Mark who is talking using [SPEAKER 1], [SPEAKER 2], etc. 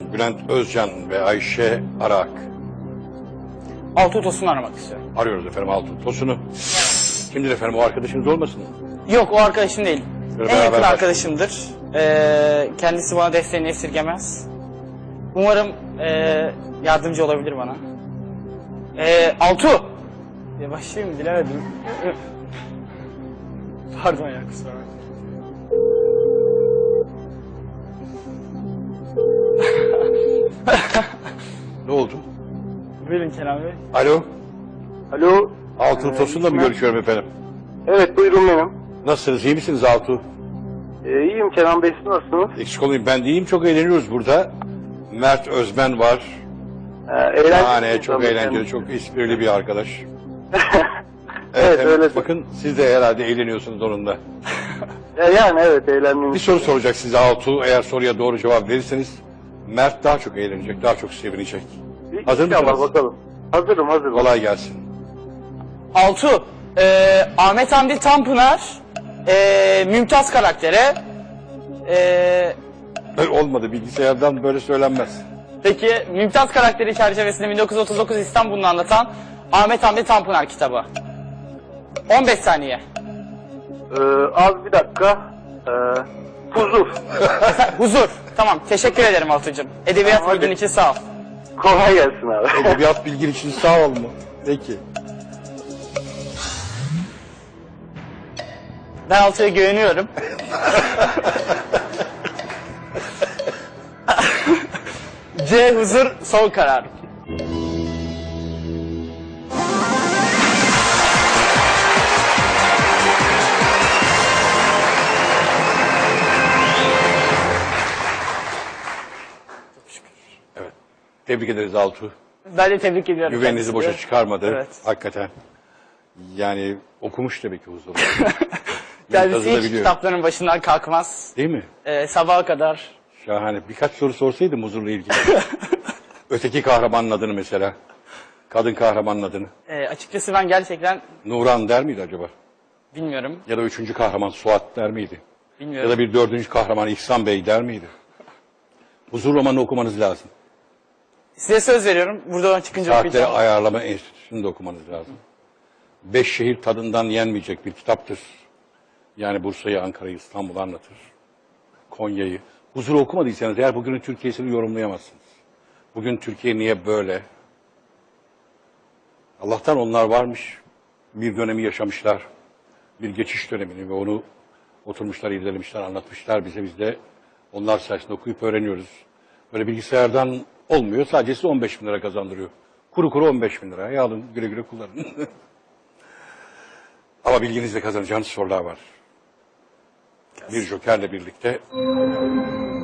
[SPEAKER 1] Bülent Özcan ve Ayşe Arak.
[SPEAKER 2] Altuğ Tosun'u aramak istiyorum.
[SPEAKER 1] Arıyoruz efendim Altuğ Tosun'u. Kimdir efendim, o arkadaşınız olmasın?
[SPEAKER 2] Yok, o arkadaşım değil.
[SPEAKER 1] Böyle
[SPEAKER 2] En yakın
[SPEAKER 1] beraber
[SPEAKER 2] arkadaşımdır. Kendisi bana desteğini esirgemez. Umarım yardımcı olabilir bana. Altuğ! Ya başlayayım mı? Bilemedim. Pardon ya, kusura bakma.
[SPEAKER 1] Ne oldu?
[SPEAKER 2] Buyurun Kenan Bey.
[SPEAKER 1] Alo,
[SPEAKER 3] Alo.
[SPEAKER 1] Altuğ Tosun'la mı görüşüyorum efendim?
[SPEAKER 3] Evet, buyurun benim.
[SPEAKER 1] Nasılsınız, iyi misiniz Altuğ?
[SPEAKER 3] İyiyim Kenan Bey, siz nasılsınız?
[SPEAKER 1] Eksik olmayın, ben de iyiyim, çok eğleniyoruz burada. Mert Özmen var.
[SPEAKER 3] Eğlenceli.
[SPEAKER 1] Çok eğlenceli, çok esprili bir arkadaş.
[SPEAKER 3] Evet,
[SPEAKER 1] hem
[SPEAKER 3] öyle.
[SPEAKER 1] bakın siz de herhalde eğleniyorsunuz onunla.
[SPEAKER 3] Yani evet, eğlendim.
[SPEAKER 1] Bir soru soracak size Altuğ. Eğer soruya doğru cevap verirseniz Mert daha çok eğlenecek, daha çok sevinecek. Hazır
[SPEAKER 3] İnşallah,
[SPEAKER 1] mısınız?
[SPEAKER 3] bakalım. Hazırım.
[SPEAKER 1] Kolay gelsin.
[SPEAKER 2] Altuğ, Ahmet Hamdi Tanpınar, Mümtaz karaktere,
[SPEAKER 1] Olmadı, bilgisayardan böyle söylenmez.
[SPEAKER 2] peki Mümtaz karakteri çerçevesinde 1939 İstanbul'unu anlatan Ahmet Hamdi Tanpınar kitabı. 15 saniye.
[SPEAKER 3] Az bir dakika. Huzur.
[SPEAKER 2] Huzur. Tamam, teşekkür ederim Altuğ'cum. Edebiyat
[SPEAKER 3] Tamam,
[SPEAKER 2] bilgin
[SPEAKER 3] hadi.
[SPEAKER 2] için sağ ol.
[SPEAKER 3] Kolay gelsin abi.
[SPEAKER 1] Edebiyat bilgin için sağ ol mu? Peki.
[SPEAKER 2] Ben Altuğ'a güveniyorum. C. Huzur son karar.
[SPEAKER 1] Evet. Tebrik ederiz Altuğ.
[SPEAKER 2] Ben de tebrik ediyorum.
[SPEAKER 1] Güveninizi boşa
[SPEAKER 2] kendisini.
[SPEAKER 1] çıkarmadı.
[SPEAKER 2] Evet.
[SPEAKER 1] Hakikaten. Yani okumuş demek ki huzuru.
[SPEAKER 2] Kendisi hiç
[SPEAKER 1] biliyor.
[SPEAKER 2] kitapların başından kalkmaz.
[SPEAKER 1] Değil mi?
[SPEAKER 2] Sabaha kadar.
[SPEAKER 1] Şahane. Birkaç soru sorsaydım huzurla ilgili. Öteki kahramanın adını mesela. Kadın kahramanın adını.
[SPEAKER 2] Açıkçası ben gerçekten
[SPEAKER 1] Nuran der miydi acaba?
[SPEAKER 2] bilmiyorum.
[SPEAKER 1] Ya da üçüncü kahraman Suat der miydi? Ya
[SPEAKER 2] Bilmiyorum.
[SPEAKER 1] da bir dördüncü kahraman İhsan Bey der miydi? Huzur romanını okumanız lazım.
[SPEAKER 2] Size söz veriyorum. Buradan çıkınca
[SPEAKER 1] Saatleri
[SPEAKER 2] okuyacağım.
[SPEAKER 1] Ayarlama Enstitüsü'nü de okumanız lazım. 5 şehir tadından yenmeyecek bir kitaptır. Yani Bursa'yı, Ankara'yı, İstanbul'u anlatır. Konya'yı. Huzur'u okumadıysanız eğer bugünün Türkiye'sini yorumlayamazsınız. Bugün Türkiye niye böyle? Allah'tan onlar varmış. Bir dönemi yaşamışlar. Bir geçiş dönemini ve onu oturmuşlar, irdelemişler, anlatmışlar bize. Biz de onlar sayesinde okuyup öğreniyoruz. Böyle bilgisayardan olmuyor. Sadece size 15 bin lira kazandırıyor. Kuru kuru 15 bin lira. Alın, güle güle kullanın. Ama bilginizle kazanacağınız sorular var. Bir jokerle birlikte